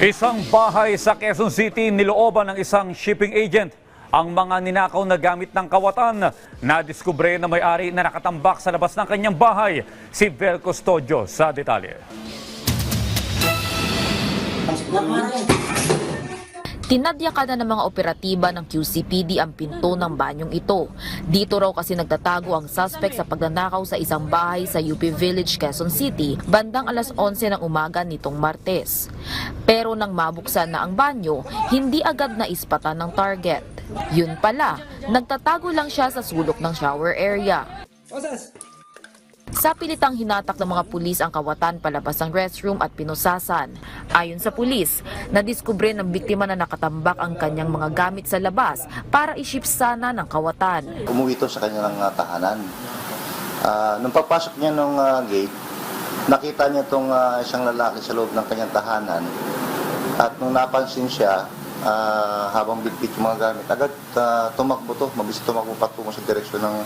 Isang bahay sa Quezon City nilooban ng isang shipping agent. Ang mga ninakaw na gamit ng kawatan nadiskubre na may-ari na nakatambak sa labas ng kanyang bahay. Si Vel Custodio sa detalye. Tinadyakan na ng mga operatiba ng QCPD ang pinto ng banyong ito. Dito raw kasi nagtatago ang suspect sa pagnanakaw sa isang bahay sa UP Village, Quezon City, bandang alas 11 ng umaga nitong Martes. Pero nang mabuksan na ang banyo, hindi agad naispatan ng target. Yun pala, nagtatago lang siya sa sulok ng shower area. Sa pilitang hinatak ng mga pulis ang kawatan palabas ng restroom at pinusasan. Ayon sa pulis, nadiskubre ng biktima na nakatambak ang kanyang mga gamit sa labas para i-ship sana ng kawatan. Umuwi ito sa kanyang tahanan. Nung pagpasok niya ng gate, nakita niya itong isang lalaki sa loob ng kanyang tahanan. At nung napansin siya, habang bitbit yung mga gamit, agad tumakbo to, mabilis tumakbo patungo sa direksyon ng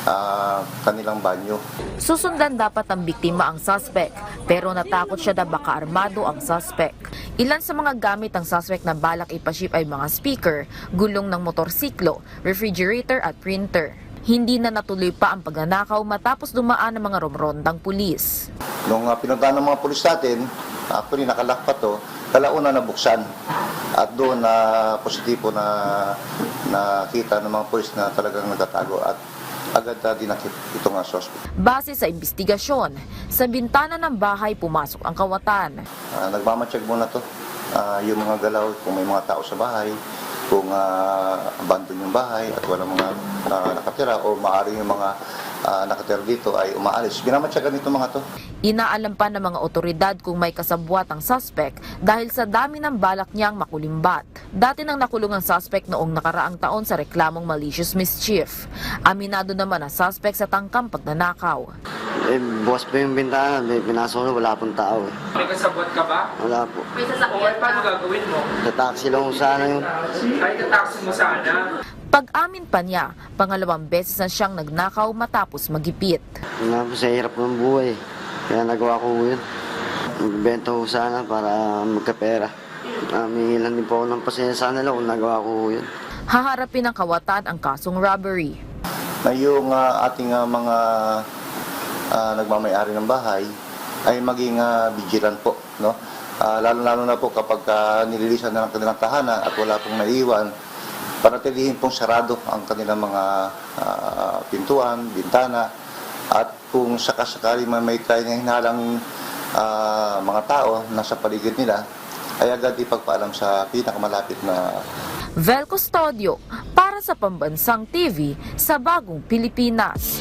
kanilang banyo. Susundan dapat ng biktima ang suspect, pero natakot siya na baka armado ang suspect. Ilan sa mga gamit ng suspect na balak ipaship ay mga speaker, gulong ng motorsiklo, refrigerator at printer. Hindi na natuloy pa ang pagnanakaw matapos dumaan ng mga romrondang pulis. Nung pinuntahan ng mga pulis natin, actually nakalak pa to, kalauna nabuksan. At doon na positibo na nakita ng mga pulis na talagang nagtatago at agad dinakip itong suspect. Base sa investigasyon, sa bintana ng bahay pumasok ang kawatan. Nagmamatsyag muna to, yung mga galaw, kung may mga tao sa bahay, kung abandon yung bahay at walang mga nakatira o maaaring yung mga nakatira dito ay umaalis. Binamatsyagan nito mga to. Inaalam pa ng mga otoridad kung may kasabwat ang suspect dahil sa dami ng balak niyang makulimbat. Dati nang nakulong ang suspect noong nakaraang taon sa reklamong malicious mischief. Aminado naman ang suspect sa tangkang pagnanakaw. Bukas pa yung bintana, pinasok na wala pong tao. May kasabot ka ba? Wala po. May sasakyan paano gagawin mo? Tataksi lang kung sana yun. Ay, kataksi mo sana. Pag-amin pa niya, pangalawang beses na siyang nagnakaw matapos magipit. Sa hirap ng buhay. Kaya nagawa ko yun. Magbenta ko sana para magkapera. Mingilan din po ako ng pasensya sa nila kung nagawa ko yun. Haharapin ng kawatan ang kasong robbery. Na yung ating mga nagmamayari ng bahay ay maging vigilant po, no? Lalo na po kapag nililisan na ng kanilang tahanan at wala pong naiwan, panatilihin pong sarado ang kanilang mga pintuan, bintana, at kung sakasakali may tayo na hinalang mga tao nasa paligid nila, ay agad ipagpaalam sa pinakamalapit na. Vel Custodio para sa Pambansang TV sa Bagong Pilipinas.